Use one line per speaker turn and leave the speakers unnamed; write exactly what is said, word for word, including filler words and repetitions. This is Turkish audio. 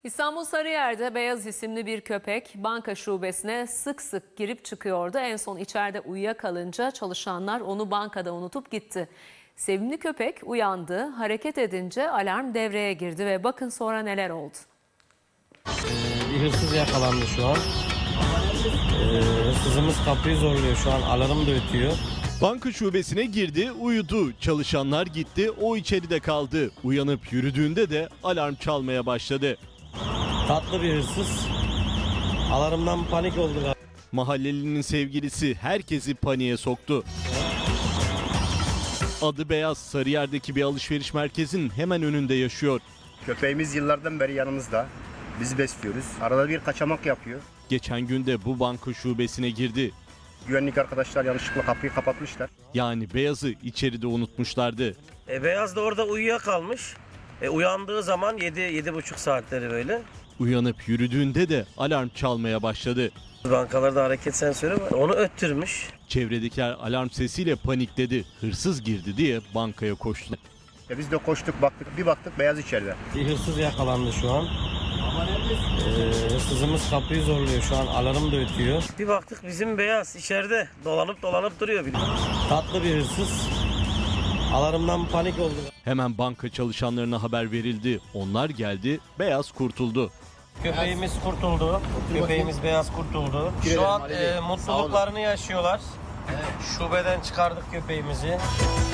İstanbul Sarıyer'de Beyaz isimli bir köpek banka şubesine sık sık girip çıkıyordu. En son içeride uyuyakalınca çalışanlar onu bankada unutup gitti. Sevimli köpek uyandı, hareket edince alarm devreye girdi ve bakın sonra neler oldu.
Ee, bir hırsız yakalandı şu an. Ee, hırsızımız kapıyı zorluyor şu an, alarm da ötüyor.
Banka şubesine girdi, uyudu. Çalışanlar gitti, o içeride kaldı. Uyanıp yürüdüğünde de alarm çalmaya başladı.
Tatlı bir hırsız. Alarmdan panik oldular.
Mahallelinin sevgilisi herkesi paniğe soktu. Adı Beyaz, Sarıyer'deki bir alışveriş merkezinin hemen önünde yaşıyor.
Köpeğimiz yıllardan beri yanımızda. Biz besliyoruz. Arada bir kaçamak yapıyor.
Geçen gün de bu banka şubesine girdi.
Güvenlik arkadaşlar yanlışlıkla kapıyı kapatmışlar.
Yani Beyaz'ı içeride unutmuşlardı.
E, Beyaz da orada uyuyakalmış. E, uyandığı zaman yedi yedi buçuk saatleri böyle.
Uyanıp yürüdüğünde de alarm çalmaya başladı.
Bankalarda hareket sensörü var. Onu öttürmüş.
Çevredekiler alarm sesiyle panikledi. Hırsız girdi diye bankaya koştu.
Ya biz de koştuk baktık. Bir baktık Beyaz içeride.
Bir hırsız yakalandı şu an. Ee, hırsızımız kapıyı zorluyor şu an, alarm da ötüyor. Bir baktık bizim Beyaz içeride dolanıp dolanıp duruyor. Tatlı bir hırsız. Alarmdan panik oldu.
Hemen banka çalışanlarına haber verildi. Onlar geldi, Beyaz kurtuldu.
Köpeğimiz kurtuldu. Köpeğimiz Beyaz kurtuldu. Şu an e, mutluluklarını yaşıyorlar. Şubeden çıkardık köpeğimizi.